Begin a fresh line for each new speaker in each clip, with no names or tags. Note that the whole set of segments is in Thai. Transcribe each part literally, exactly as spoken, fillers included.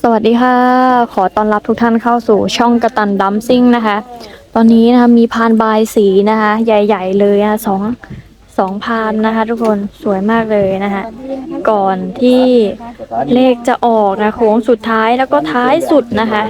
วัสดีค่ะขอต้อนรับทุกท่านเข้าสู่ช่องกระตันดัมซิ่งนะคะตอนนี้นะคะมีพานบายสีนะคะใหญ่ๆเลยนะสองสองพานนะคะทุกคนสวยมากเลยนะคะก่อนที่เลขจะออกนะโค้งสุดท้ายแล้วก็ท้ายสุดนะคะ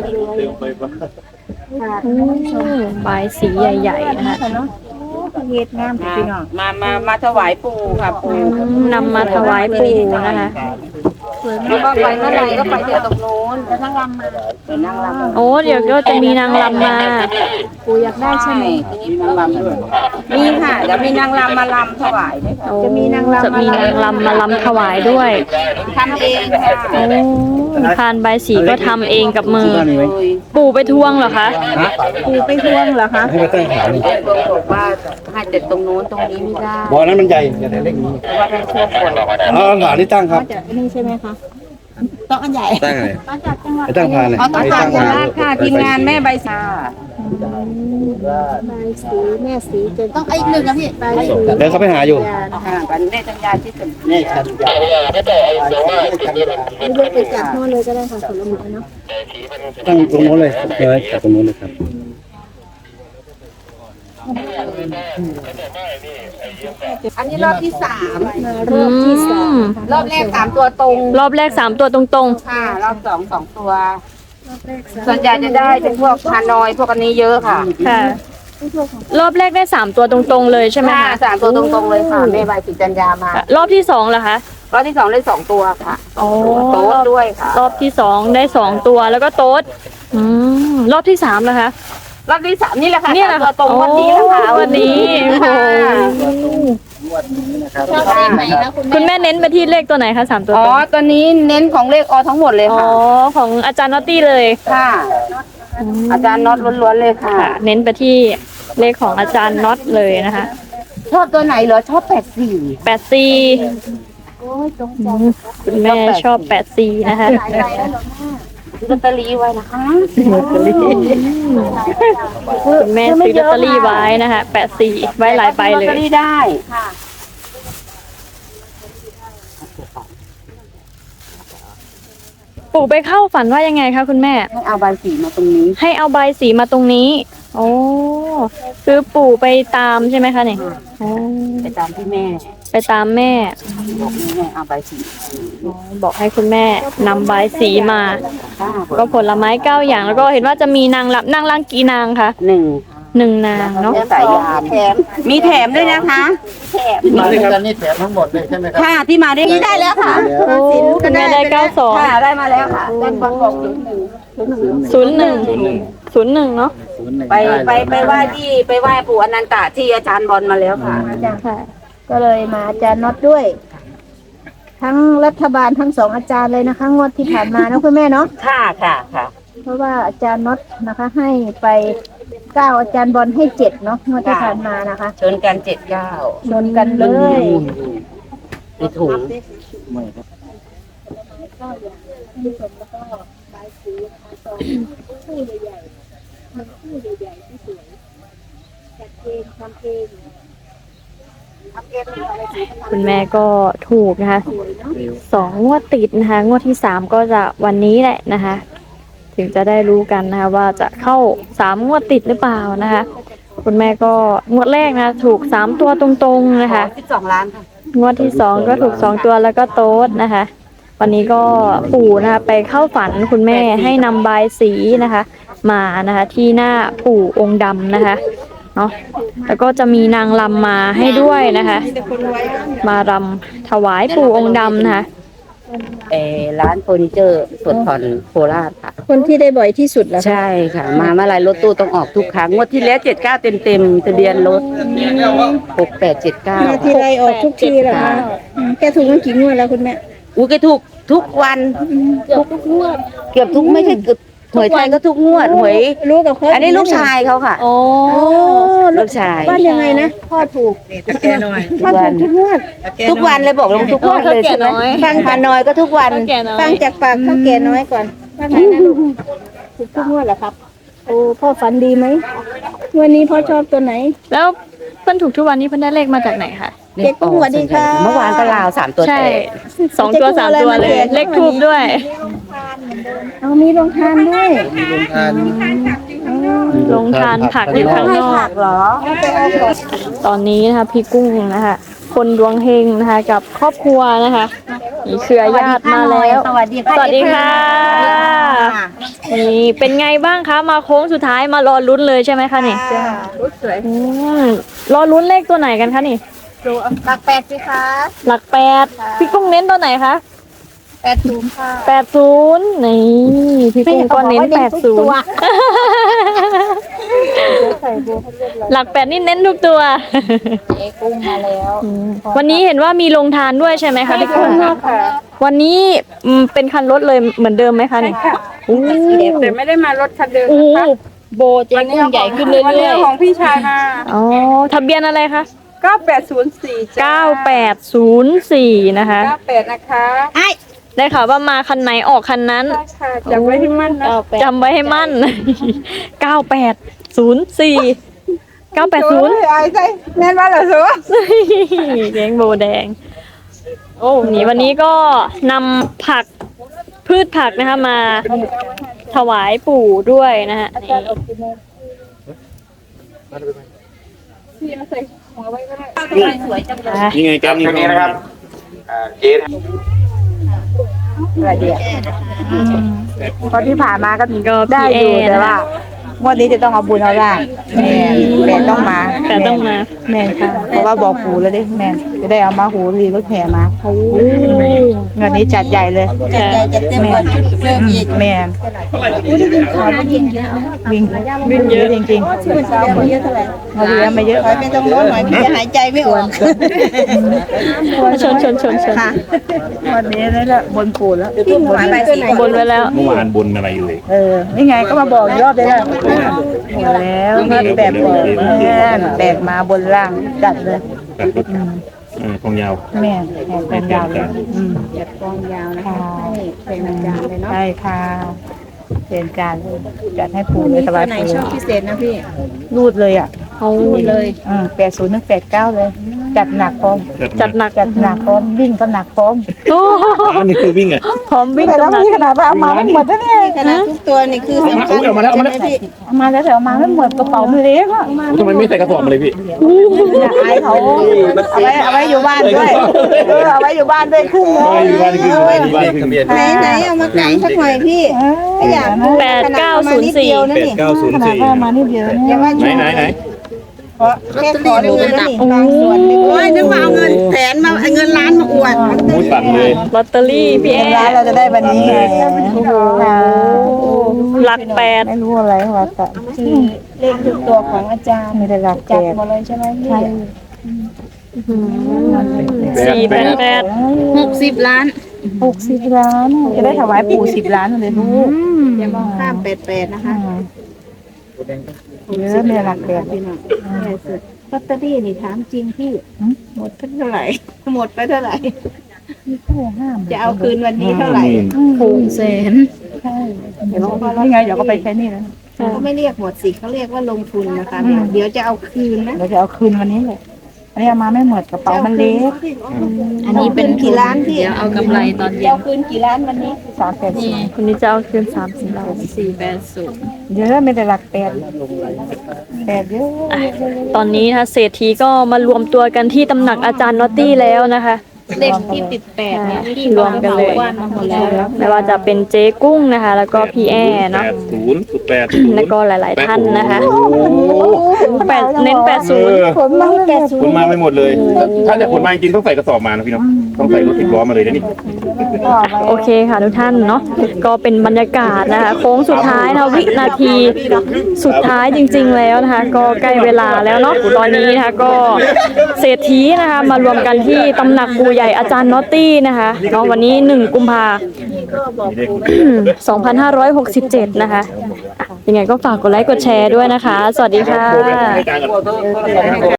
อืมบายสีใหญ่ๆนะคะ
เฮ็ดงามพี่น้องมามามาถวายปู่ค่ะปู่
นำมาถวายปู่นะคะ
แล้วก็ไปเมื่อไหร่ก็ไปเดี๋ยวตรงโน้นแล้วนั่งรำมาเดี๋ยวนั่งรำ
โอ้เดี๋ยวก็จะมีนางรำมา
ปู่อยากได้ใช่ไหมมีนางรำด้วยมีค่ะเดี๋ยวมีนางรำมาลำถวายด้วยค่ะ
จะมีนางรำจะมีนางรำมาลำถวายด้วย
ทำเองค่ะ
โอ้พานใบสีก็ทำเองกับมือปู่ไปทวงเหรอคะ
ปู่ไปทวงเหรอคะให้ไปตั้งฐานบอกว่าให้เด็ดตรงโน้นตรงนี้ไม่ได้
บ่อนั้นมันใหญ่อย่าได้เล็กนี้
ว่าได้ช่วยคน
เอาฐานที่ตั้งครับ
นี่ใช่ไหมคะต้องอันใหญ่
ตั้งอะไรไปตั้งพานเลย
เอาต้องพานโคราชค่ะทีมงานแม่ใบชา
ใบสีแม่สีจนต้องอีกหนึ่งนะพี่ใบสี
เดี๋ยวเขาไปหาอยู่
ค่ะกันแม่จัญญาที่สุด
แม่ชันยา
ไม่เลือกไปจับโน่นเลยก็ได้ค่ะผลไม้เนาะ
ตั้งตรงโน้นเลยเลยจับตรงโน้นเลยครับ
อันนี้รอบที่สาม
รอบที่สาม
รอบแรกสามตัวตรง
รอบแรกสามตัวตรง
ๆค่ะรอบสองสองตัวส่วนใหญ่จะได้เป็นพวกฮานอยพวกอันนี้เยอะค่ะ
ค่ะรอบแรกได้สามตัวตรงๆเลยใช่ไหมคะ
สามตัวตรงๆเลยค่ะแม่ใบสีจัญญาม
ารอบที่สองเหรอคะ
รอบที่สองได้สองตัวค่ะ
โอ้
โต๊ดด้วยค่ะ
รอบที่สองได้สองตัวแล้วก็โต๊ดอืมรอบที่สามเหรอคะ
รอบที่สามนี่แหละค่ะ
นี่แหละ
ตัวตรงวันนี้นะคะ
วันนี้คุณแม่เน้นไปที่เลขตัวไหนคะสามตัว
อ๋อตัวนี้เน้นของเลขอทั้งหมดเลยค่ะ
อ๋อของอาจารย์นอตตี้เลย
ค่ะอาจารย์น็อตล้วนๆเลยค่ะ
เน้นไปที่เลขของอาจารย์น็อตเลยนะคะ
ชอบตัวไหนเหรอชอบแปดสี่
แปดสี่คุณแม่ชอบแปดสี่นะคะ
ซื้อลอตเตอรี่ไว้นะคะ
คุณแม่ซื้อลอตเตอรี่ไว้นะคะแปดสี่ไว้หลายใบเลย
ลอตเตอรี่ได้
ปู่ไปเข้าฝันว่ายังไงคะคุณแม่
ให้เอาใบสีมาตรงนี้
ให้เอาใบสีมาตรงนี้โอ้คือปู่ไปตามใช่ไหมคะเนี่ย
ไปตามที่แม่
ไปตามแม่
บอกแม่เอาใบสี
บอกให้คุณแม่นำใบสีมาก็ผลไม้เก้าอย่างแล้วก็เห็นว่าจะมีนางรำนางรำกี่นางคะ
หนึ่ง
หนึ่งนางเนาะ
สายยามแถมมีแถมด้วยนะคะ
แถมมาด้วยกันนี่แถมทั้งหมดเลยใช่ไหมครับ
ค่ะที่มาด้วย
นี่ได้แล้วค่ะ
โอ้คุณแม่ได้เก้าสอง
ค่ะได้มาแล้วค่ะด้านบนบอก
ศูนย์หนึ่งศูนย์หนึ่งศูนย์หนึ่งเนาะ
ไปไปไปไหว้ที่ไปไหว้ปู่อนันตะที่อาจารย์บอลมาแล้วค่ะ
ก็เลยมาอาจารย์น็อตด้วยทั้งรัฐบาลทั้งสองอาจารย์เลยนะคะงวดที่ผ่านมานะคุณแม่เนาะ
ค่ะค่ะค่ะ
เพราะว่าอาจารย์น็อตนะคะให้ไปเก้าอาจารย์บอลให้เจ็ดเนาะงวดที่ผ่านมานะคะ
ชนกันเจ็ดเก้า
ชนกันเลย
ในถุง
คุณแม่ก็ถูกนะคะสองงวดติดนะคะงวดที่สามก็จะวันนี้แหละนะคะถึงจะได้รู้กันนะคะว่าจะเข้าสามงวดติดหรือเปล่านะคะคุณแม่ก็งวดแรกนะถูกสามตัวตรงๆนะคะ
สิบสองล้านค่ะ
งวดที่สองก็ถูกสองตัวแล้วก็โต๊ดนะคะวันนี้ก็ปู่นะคะไปเข้าฝันคุณแม่ให้นำใบสีนะคะมานะคะที่หน้าปู่องค์ดำนะคะเนาะแล้วก็จะมีนางรำมาให้ด้วยนะคะมารำถวายปู่องค์ดำนะคะ
เออร้านเฟอร์นิเจอร์สดผ่อนโคราชค่ะ
คนที่ได้บ่อยที่สุดแล้ว
ใช่ค่ะมาเมื่อไรรถตู้ต้องออกทุกครั้งงวดที่แล้วเจ็ดเก้าเต็มเต็มทะเบียนรถหกแปดเจ็ดเก้า
ที่ไรออกทุกทีแหละค่ะแกถูกมากี่งวดแล้วคุณแม่
อู้แกถูกทุกวัน
เกือบทุกงวด
เกือบทุกไม่ใช่เกือบหวยไทยก็ทุกงวดหวย
รู้กับเขา
อันนี้ลูกชายเขาค่ะ
โอ้
ลูกชาย
บ้านยังไงนะพ่อถูก
แกหน่อย
พ่อถูกทุกงวด
ทุกวันเลยบอกลงทุกวันเลยใช่ไหมฟังพาน้อยก็ทุกวัน
ฟังจากปากเขาแก่น้อยก่อนว่าไงนะลูกถูกทุกงวดเหรอครับโอ้พ่อฝันดีไหมวันนี้พ่อชอบตัวไหน
แล้วเพิ่นถูกทุกวันนี้เพิ่นได้เลขมาจากไหนคะ
เจ๊กุ้งสวัสดีค่ะ
เมื่อวานก็ลาวสามตัว
ใช่
แตก
สองตัวสามตัวเลยเลขทูบด้วย
เอามีโรงทานด้วย
มีโรงทาน
ลงทานผักอยู่ข้างนอก
เหรอ
ตอนนี้นะคะพี่กุ้งนะคะคนดวงเฮงนะคะกับครอบครัวนะคะมีเครือญาติมาแล้ว
สวัสดีค่ะ
สวัสดีค่ะนี่เป็นไงบ้างคะมาโค้งสุดท้ายมารอลุ้นเลยใช่ไหมคะนี่อืมรอลุ้นเลขตัวไหนกันคะนี่
หลักแปดสิคะ
หลักแปดพี่กุ้งเน้นตัวไหนคะ
แปดศูนย์ค่ะ
แปดศูนย์นี่พี่กุ้งก็เน้นแปดศูนย์หลักแปดนี่เน้นทุกตัว
เจ๊กุ้งมาแล้ว
วันนี้เห็นว่ามีลงทานด้วยใช่ไหมคะพี่กุ้งวันนี้อืมเป็นคันรถเลยเหมือนเดิมไหมคะนี่โอ้
แต่ไม่ได้มารถคันเดิม
โอ้
นะคะ
โบเจ๊กุ้งใหญ่ขึ้นเรื่
วันนี้
อย
เอาของพี่ชายมา
ๆอ๋อทะเบียนอะไรคะ
เก้าแปดศูนย์สี่จ้า
เก้าแปดศูนย์สี่นะคะ
เก้าแปดนะคะ
ได้ข่าวว่ามาคันไหนออกคันนั้น
ใช่ค่ะจำไว้ให้มั่นนะ
จำไว้ให้มั่น เก้าแปดศูนย์สี่ เก้าแปดศูนย์
โอ้ยอายใจแม่นว่าเหรอสัว
เลี้ยงโบแดง โอ้นี่วันนี้ก็นำผักพืชผักนะคะมาถวายปู่ด้วยนะฮะนี่
พี่เอาใส่หัวไว้ก็ได้
อ่ะ
นี่ไงแกมนี่นะครับเจ๊
ตอนที่ผ่านมาก็
นี่ก็
ได้
พี่
อยู่
เอ
แต่
นะ
ว่า
คะ
งวดนี้จะต้องเอาบุญเอาล่างแม่แม่ต้องมา
แต่ต้องมา
แม่ค่ะเพราะว่าบอกหูแล้วดิแม่จะได้เอามาหูรีรถแห่มาเงินนี้จัดใหญ่เลย
ค่ะ
จะเต็มก่อนเริ่มอีก
แม่วิ่งวิ่งเยอะจริงๆ
คุณสาวคนเยอะเท่าไหร่
มาเรียนมาเยอะ
ถอยไปตรงโน้นหน่อยพี่จะหายใจไม่ออก
ชนชนชนชน
วันนี้นั่นแหละบนปูนแล้ว
พี่หมูไปสี
บนไว้แล้ว
เมื่อวานบนอะไรอยู่เลย
เออนี่ไงก็มาบอกอีกรอบเลยแหละหมดแล้วก็แบบบอกแม่แบกมาบนล่างจัดเลย
ตัดรถเออทองยาว
แม่แบกกองยาวเลยอืม
กองยาวนะ
ค่ะ
ให้เป็นอาจารย์เลยเนาะ
ใช่ค่ะเป็นการจัดให้ปูเลยสบาย
ไหน
ปู
ชอบพิเศษนะพี่
รูดเลยอ่ะ
เอา
เลย
อืมแปดศูนย์นึกแปดเก้าเลย จัดหนักพร้อม
จัดหนัก
จัดหนักพร้อมวิ่งก็หนักพร้อม
โอ้
อันนี้คือวิ่งอ่ะ
พร้อมวิ่ง
แต่
กั
แล้
บ
ว
หนัก
นี่ขนาดว่าเอามาไม่หมดนะเนี่ย
ขนาดทุกตัวนี่คือสำคัญ
เอามาแล้วเอามาแล้ว
ใช่ไหพี่
เอามาแล้วแต่เอามาไม่หมดกระเป๋ามันเล็กอ่ะ
ทำไมไม่ใส่กระสอบมาเลยพี่
อยากอายเขาเอาไว้เอาไว้อยู่บ้านด้วยเออเอาไว้อยู่บ้านด้วยครึ่งนึง
ไม่อยู่บ้านคืออยู่บ้านคือ
ไหนไหนเอามากางสักหน่อยพี่ไม่อยากดู
แปดเก้าศูนย์สี่
ขนาดเอามานิดเดียวนะนี่
เก้าศูน
ข
ย์
นาด
สี่
ว่ามานี่เดียว
อ
เนี่
ย่าย ว่า
ไหน
ชู
ไหนไหน
เพราะแค่ขอดูนะนี่บางส่วนไม่
โอ้
โอ้
ย
ย
นึ
นึ
ก
ก
ว่า
ว่า
เอา
เอา
เงิ
เงิ
น
นแสนมาเอาเงินล้านมาอวด
มูสั่นเลย
ลอตเตอรี่พี่แอ
ร้าน
ร์
เราจะได้วันนี้ไง
โอ้โหหลักแปด
ไม่รู้อะไรว่าแต่
คือเลขทุกตัวของอาจารย์
มีแต่หลักแป
จัด
ด
หมดเลยใช่ไหมพี่
สี่แปดแปด
หกสิบล้าน
หกสิบล้านจะได้ถวายปู่สิบล้านเลยลูก
อย่ามองข้ามแปดแปดนะคะ
เยอะมีแต่หลักแปด
พี่น้องลอตเตอรี่นี่ถามจริงพี่หมดไปเท่าไหร่ หมดไปเท่าไหร่ จะเอาคืนวันนี้เท่าไหร่
หกแสน
ใช่เดี๋ยวนี่ไงเดี๋ยวก็ไปใช้นี่แล้ว
เขาไม่เรียกหมดสิเขาเรียกว่าลงทุนนะคะ เดี๋ยวจะเอาคืนนะ
เราจะเอาคืนวันนี้เลยอันนี้เอามาไม่หมดกระเป๋ามันเล็ก
อันนี้เป็นกี่ล้านพี่เดี๋ยวเอากำไรตอนเย็นเอาคืนกี่ล้านวันนี้
สามแปดสี่
คนนี้จะเอาคืนสามสิบล้าน
สี่แปดศูนย์
เยอะมีแต่หลักแปดแปดเยอะ
ตอนนี้นะคะเศรษฐีก็มารวมตัวกันที่ตำหนักอาจารย์นอตตี้แล้วนะคะ
เลขที่ติดแปดเนี่ยที่
รวมกันเลย
ว่ามาหมดแล้ว
ไม่ว่าจะเป็นเจ๊กุ้งนะคะ แล้วก็พี่แอร์
แป
เนาะ
ดศูนย์สุดแปดศูนย์
แล้วก็หลาย ๆ ท่านนะคะ
โอ้โห
แปดเน้นแปด
เอ
ศูนย์
อ
ผลมาแปดศูน
ขน
ย์
มาไม่หมดเลย ถ้าจะขนมาจริงๆต้องใส่กระสอบมานะพี่เนาะต้องใส่รถสิบล้อมาเลยนะนี่
โอเคค่ะทุกท่านเนาะก็เป็นบรรยากาศนะคะ โค้งสุดท้ายนะวินาทีสุดท้ายจริง ๆ แล้วนะคะ ก็ใกล้เวลาแล้วเนาะตอนนี้นะคะก็เศรษฐีนะคะมารวมกันที่ตำหนักปู่ใหญ่อาจารย์นอตตี้นะคะเนาะวันนี้หนึ่งกุมภาสองพันห้าร้อยหกสิบเจ็ดนะคะอ่ะยังไงก็ฝากกดไลค์กดแชร์ด้วยนะคะ สวัสดีค่ะ
โทรไปให้การกัน